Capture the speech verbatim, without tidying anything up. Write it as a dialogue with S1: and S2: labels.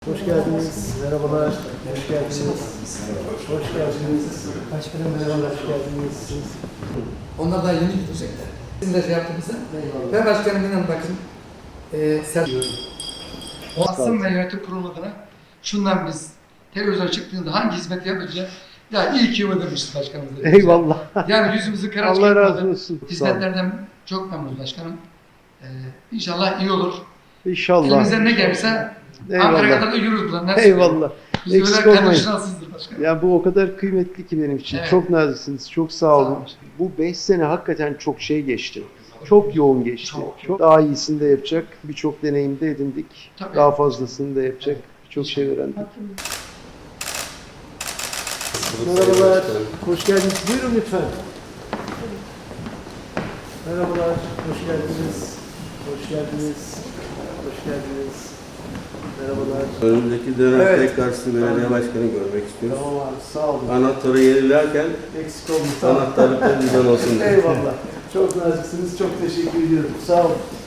S1: Hoş geldiniz. Merhabalar. Hoş geldiniz. Hoş geldiniz. Başkanım merhabalar. Hoş geldiniz.
S2: Onlar daha yeni gidecekler. Bizim de şey yaptığımızda. Ve başkanım inan bakın. E, sen... O Asım ve yönetim kurulu adına şundan biz televizyona çıktığında hangi hizmet yapacağız? Ya iyi ki ödemişiz başkanımız. Dedi.
S1: Eyvallah.
S2: Yani yüzümüzü kara
S1: Allah razı
S2: çıkartmadı.
S1: olsun.
S2: Hizmetlerden çok memnunuz başkanım. Ee, inşallah iyi olur.
S1: İnşallah.
S2: Elimizden ne gelirse Ankara'ya kadar da yürürüz buradan. Neresi
S1: Eyvallah.
S2: Biz
S1: Eksik
S2: öyle
S1: olmayın.
S2: şanssızdır başkanım.
S1: Yani bu o kadar kıymetli ki benim için.
S2: Evet.
S1: Çok naziksiniz. Çok sağ olun.
S2: Sağ olun.
S1: Bu beş sene hakikaten çok şey geçti. Çok yoğun geçti.
S2: Çok.
S1: Çok daha iyisini de yapacak. Birçok deneyim de edindik.
S2: Tabii.
S1: Daha fazlasını da yapacak. Birçok şey öğrendik. Merhabalar. Hoş geldiniz. Buyurun lütfen. Merhabalar. Hoş geldiniz. Hoş geldiniz. Hoş geldiniz. Merhabalar.
S3: Önümüzdeki dönem
S1: Evet.
S3: tekrar sizi belediye başkanı görmek istiyoruz.
S1: Tamam abi. Sağ olun.
S3: Anahtarı yenilerken
S1: Eksik olmayın. Sağ olun.
S3: anahtarlıkta bizden olsun diye.
S1: Eyvallah. Çok naziksiniz. Çok teşekkür ediyorum. Sağ olun.